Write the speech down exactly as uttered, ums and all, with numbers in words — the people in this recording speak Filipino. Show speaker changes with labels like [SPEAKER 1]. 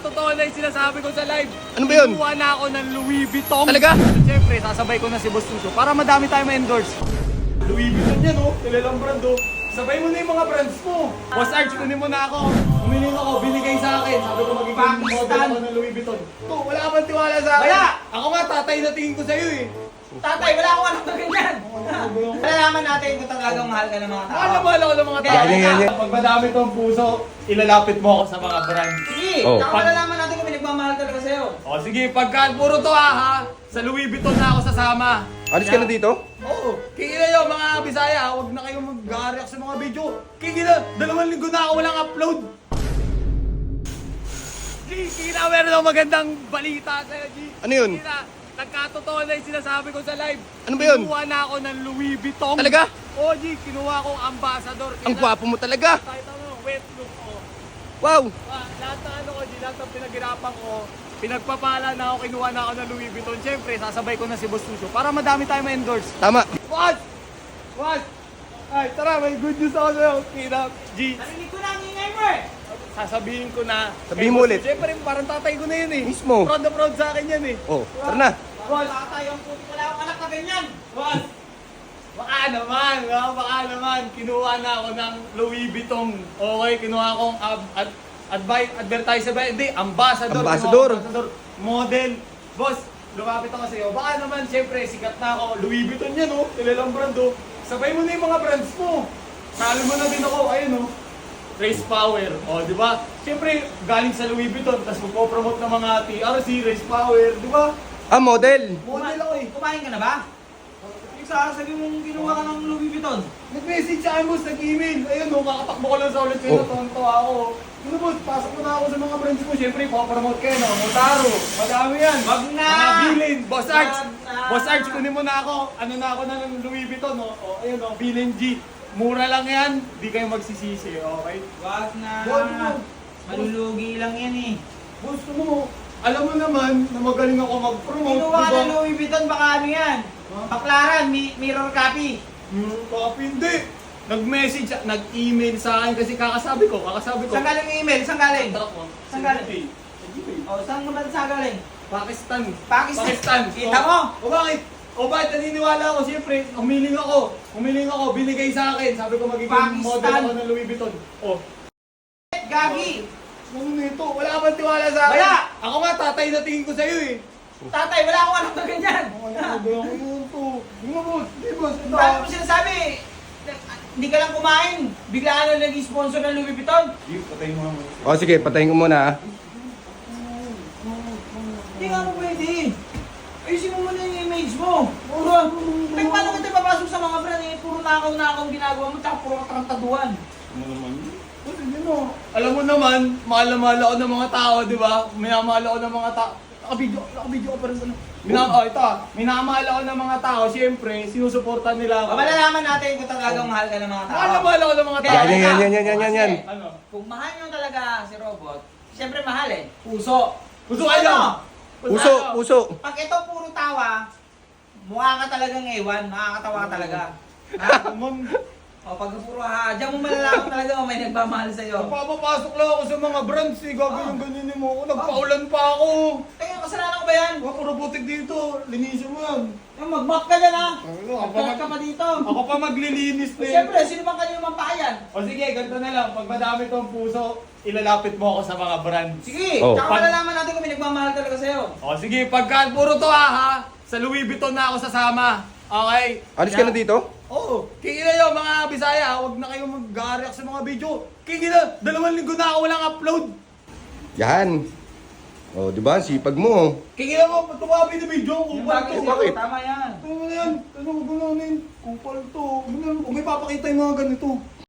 [SPEAKER 1] Nagkatotoo na yung sinasabi ko sa live.
[SPEAKER 2] Ano ba yun?
[SPEAKER 1] Kuha na ako ng Louis Vuitton.
[SPEAKER 2] Talaga?
[SPEAKER 1] Siyempre, sasabay ko na si Boss Tuso para madami tayo ma-endorse. Louis Vuitton yan, oh. Kilalang brand, oh. Sabay mo na yung mga brands mo. Boss Arch, kunin mo na ako. Humiling ako, binigay sa akin. Sabi ko magiging model ako ng Louis Vuitton. To, wala ka bang tiwala sa akin?
[SPEAKER 3] Wala!
[SPEAKER 1] Ako nga, tatay na tingin ko sa'yo, eh.
[SPEAKER 3] Tatay, wala akong anak na ganyan. Malalaman natin kung talagang mahal ka ng mga tao.
[SPEAKER 1] Mahal na mahal ako ng mga tao.
[SPEAKER 2] Yan, yan, yan, yan.
[SPEAKER 1] Pag madami tong puso, ilalapit mo ako sa mga brands.
[SPEAKER 3] Sige,
[SPEAKER 2] Oh.
[SPEAKER 3] tsaka malalaman natin kung may nagmamahal talaga sa'yo.
[SPEAKER 1] O sige, pagka puro to ha, ha, sa Louis Vuitton na ako sasama.
[SPEAKER 2] Alis ka na dito?
[SPEAKER 1] Oo. Kikila nyo mga Bisaya, huwag na kayong mag-react sa mga video. Kikila, dalawang linggo na ako walang upload. G, kikila, meron akong magandang balita sa'yo, G.
[SPEAKER 2] Ano yun?
[SPEAKER 1] Kikila, nagkatotoo na yung sinasabi ko sa live.
[SPEAKER 2] Ano ba yun?
[SPEAKER 1] Kinuha na ako ng Louis Vuitton.
[SPEAKER 2] Talaga?
[SPEAKER 1] Oo, G, kinuha kong ambassador.
[SPEAKER 2] Ang gwapo mo talaga.
[SPEAKER 1] Kahit ano, wet look, oh.
[SPEAKER 2] Wow!
[SPEAKER 1] Ah, lahat ng ano ko, G, lahat ng pinaghirapan ko, pinagpapala na ako, kinuha na ako ng Louis Vuitton. Siyempre, sasabay ko na si Boss Tuso para madami tayo ma-endorse.
[SPEAKER 2] Tama.
[SPEAKER 1] What? What? Ay, tara, may good news ako sa'yo. Kina, G,
[SPEAKER 3] Narinig ko na ang ingay mo eh.
[SPEAKER 1] sasabihin ko na.
[SPEAKER 2] Sabihin
[SPEAKER 1] kay
[SPEAKER 2] mo
[SPEAKER 1] Boss
[SPEAKER 2] ulit.
[SPEAKER 1] Tuso. Siyempre, parang tatay ko na yun eh.
[SPEAKER 2] Mismo.
[SPEAKER 1] Proud na proud sa akin yan eh.
[SPEAKER 2] Oh, tara na.
[SPEAKER 3] Wala tatay, ang puti wala akong anak na ganyan.
[SPEAKER 1] What? Baka naman, ah, baka naman. Kinuha na ako ng Louis Vuitton. Okay, kinuha akong ab- ad- advi- advertiser ba? Hindi, ambassador.
[SPEAKER 2] Ambassador.
[SPEAKER 1] Kinuha ambassador. Model. Boss, lumapit ako sa'yo. Baka naman, siyempre, sikat na ako. Louis Vuitton yan, oh. Kilalang brand, oh. Sabay mo na yung mga brands mo. Salo mo na din ako. Ayun, oh. Race Power. O, di ba? Siyempre, galing sa Louis Vuitton, tapos magpo-promote ng mga T R C, Race Power, di ba?
[SPEAKER 2] Ah, model.
[SPEAKER 1] Model ako eh.
[SPEAKER 3] Kumain ka na ba? Yung sasabi mong kinuha ka ng Louis Vuitton.
[SPEAKER 1] Nag-message sa akin, boss, nag-email. Ayun, no, kakatakbo ko lang sa ulit kayo,
[SPEAKER 2] Oh.
[SPEAKER 1] natuwa ako. Ano, boss, pasok mo na ako sa mga brands mo. Siyempre, papapromote kayo, no? Motaro, madami yan.
[SPEAKER 3] Wag na!
[SPEAKER 1] Mga bilin, Boss Arch.
[SPEAKER 3] Wag na!
[SPEAKER 1] Boss Arch, kunin mo na ako. Ano na ako na ng Louis Vuitton, no? O, ayun, no, bilin G. Mura lang yan, di kayo magsisisi, okay?
[SPEAKER 3] Wag na!
[SPEAKER 1] Wag na.
[SPEAKER 3] Malulugi lang yan eh.
[SPEAKER 1] Boss, ano mo, alam mo naman na magaling ako mag-promote,
[SPEAKER 3] Kinuha
[SPEAKER 1] di ba?
[SPEAKER 3] ng Louis Vuitton, baka ano yan? Baklaran, mi- mirror copy.
[SPEAKER 1] Hmm, copy, hindi. Nag-message, nag-email sa akin kasi kakasabi ko, kakasabi ko.
[SPEAKER 3] Saan galing yung email? Saan galing?
[SPEAKER 1] Truck mo.
[SPEAKER 3] Saan galing?
[SPEAKER 1] Sa G P.
[SPEAKER 3] O, saan naman sa galing?
[SPEAKER 1] Pakistan.
[SPEAKER 3] Pakistan.
[SPEAKER 1] Pakistan.
[SPEAKER 3] Kita
[SPEAKER 1] O-
[SPEAKER 3] mo?
[SPEAKER 1] O bakit? O bakit naniniwala ako? Siyempre, humiling ako. Humiling ako, binigay sa akin. Sabi ko magiging
[SPEAKER 3] Pakistan.
[SPEAKER 1] model ako ng Louis Vuitton. O,
[SPEAKER 3] Gagi!
[SPEAKER 1] ano nito? Wala ka bang tiwala sa akin?
[SPEAKER 3] Wala!
[SPEAKER 1] Ako nga, tatay na tingin ko sa'yo eh.
[SPEAKER 3] Tatay, wala akong anak na ganyan.
[SPEAKER 1] Ano ba yung yun to? Hindi mo, boss. Hindi, boss. Ito.
[SPEAKER 3] Dami mo sinasabi, hindi ka lang kumain. Biglaan na naging sponsor ng Louis Vuitton.
[SPEAKER 1] Hindi, patay mo ako.
[SPEAKER 2] O, sige, patayin ko muna, ah.
[SPEAKER 3] Hindi nga mo pwede. Ayusin mo muna yung image mo. Puro, like paano kita papasok sa mga brand eh, puro nakaw-nakaw ginagawa mo, tsaka puro katantaduan.
[SPEAKER 1] Ano naman? Boss, hindi mo. Alam mo naman, mahal na mahal ako ng mga tao, di ba? Minamahal ako ng mga tao. Nakabidyo, nakabidyo ko pa rin sa ano. Minam oh, ito ah. Minamahal ako ng mga tao, siyempre, sinusuportan nila ako.
[SPEAKER 3] O, malalaman natin kung talagang mahal ka ng mga tao.
[SPEAKER 1] Mahal na mahal ako ng mga tao.
[SPEAKER 2] Yan, yan, yan, yan, yan, yan, yan, yan.
[SPEAKER 3] Kasi,
[SPEAKER 1] Ano?
[SPEAKER 3] kung mahal nyo talaga si Robot, siyempre mahal eh. Puso.
[SPEAKER 1] Puso kayo!
[SPEAKER 3] Ano?
[SPEAKER 2] Puso, puso.
[SPEAKER 3] Pag ito puro tawa, mukha ka talagang ewan, makakatawa ka talaga. Ha?
[SPEAKER 1] Naman,
[SPEAKER 3] O pag puro ha, diyan mo malalaman talaga kung may nagmamahal sa'yo.
[SPEAKER 1] papapasok lang ako sa mga brands eh. Gagawin ganyan mo ako. Nagpaulan pa ako.
[SPEAKER 3] Teka, kasalanan ko ba yan?
[SPEAKER 1] Mga puro putik dito. Linisin mo yan.
[SPEAKER 3] Yung mag-mop ka dyan ha.
[SPEAKER 1] Ano, ako pa,
[SPEAKER 3] Magkalat ka pa dito.
[SPEAKER 1] ako pa maglilinis na eh.
[SPEAKER 3] Siyempre, sino bang kanino mampayan?
[SPEAKER 1] O sige, ganito na lang. Pag madami tong puso, ilalapit mo ako sa mga brands.
[SPEAKER 3] Sige,
[SPEAKER 2] Oh.
[SPEAKER 3] tsaka
[SPEAKER 1] Pag-
[SPEAKER 3] malalaman natin kung may nagmamahal talaga sa'yo.
[SPEAKER 1] O sige, pagka puro to ha, ha, sa Louis Vuitton na ako sasama. Okay?
[SPEAKER 2] Alis ka na dito?
[SPEAKER 1] Oo. Kikila nyo mga Bisaya, huwag na kayong mag-react sa mga video. Kikila, dalawang linggo na ako walang upload.
[SPEAKER 2] Yan. O, di ba? Sipag mo.
[SPEAKER 1] Kikila mo, tumabi na video,
[SPEAKER 3] Yung
[SPEAKER 1] kupal
[SPEAKER 3] bagay
[SPEAKER 1] to.
[SPEAKER 3] sa'yo,
[SPEAKER 2] bakit?
[SPEAKER 3] tama yan.
[SPEAKER 1] Ano mo na yan? Ano mo gano'n? Kupal to. Ano, kung may papakita yung mga ganito.